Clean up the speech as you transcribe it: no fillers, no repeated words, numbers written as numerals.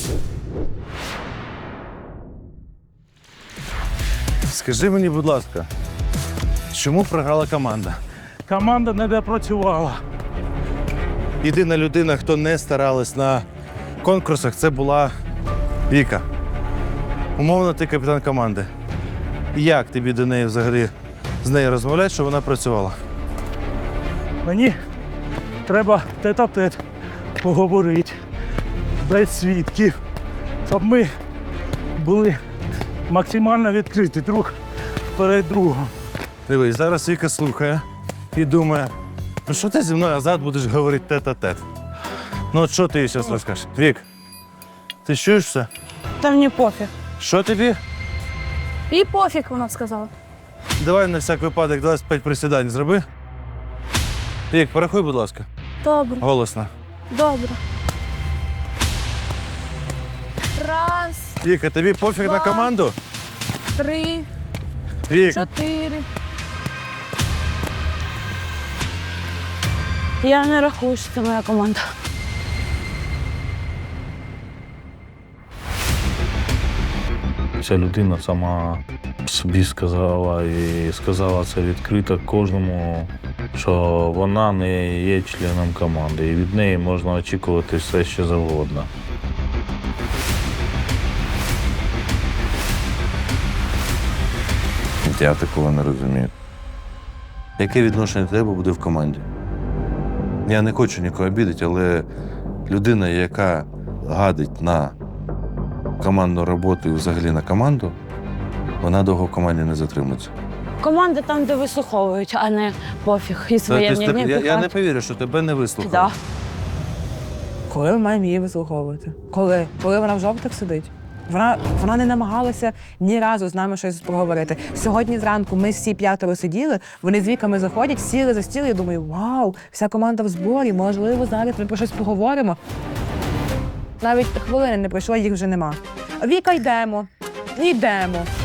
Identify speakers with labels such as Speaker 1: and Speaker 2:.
Speaker 1: Скажи мені, будь ласка, чому програла команда?
Speaker 2: Команда не допрацювала.
Speaker 1: Єдина людина, хто не старалась на конкурсах, це була Віка. Умовно, ти капітан команди. Як тобі до неї взагалі з нею розмовляти, щоб вона працювала?
Speaker 2: Мені треба тет-а-тет поговорити, без свідків, щоб ми були максимально відкриті друг перед другом.
Speaker 1: Дивись, зараз Віка слухає і думає, ну що ти зі мною назад будеш говорити тет-а-тет? Ну от що ти їй зараз розкажеш? Вік, ти чуєш все?
Speaker 3: Та мені пофіг.
Speaker 1: Що тобі?
Speaker 3: І пофіг, вона сказала.
Speaker 1: Давай на всяк випадок 25 присідань зроби. Вік, порахуй, будь ласка.
Speaker 3: Добре,
Speaker 1: Голосно.
Speaker 3: добре. Раз,
Speaker 1: Віка, тобі пофіг на
Speaker 3: Два.
Speaker 1: команду?
Speaker 3: 3,
Speaker 1: Вік,
Speaker 3: 4. Я не рахую, що це моя команда.
Speaker 4: Ця людина сама собі сказала і сказала це відкрито кожному, що вона не є членом команди, і від неї можна очікувати все, що завгодно.
Speaker 1: я такого не розумію. Яке відношення до тебе буде в команді? Я не хочу нікого обідати, але людина, яка гадить на командну роботу і взагалі на команду, вона довго в команді не затримується.
Speaker 3: Команда там, де вислуховують, а не пофіг. І своє мнення
Speaker 1: я не
Speaker 3: пихають.
Speaker 1: повірю, що тебе не вислухали.
Speaker 3: Да.
Speaker 5: Коли ми маємо її вислуховувати? Коли? Коли вона в жовтих сидить? Вона не намагалася ні разу з нами щось проговорити. Сьогодні зранку ми всі 5 сиділи, вони з Віками заходять, сіли за стіл, і я думаю, вау, вся команда в зборі, можливо, зараз ми про щось поговоримо. Навіть хвилини не пройшло, їх вже нема. Віка, йдемо.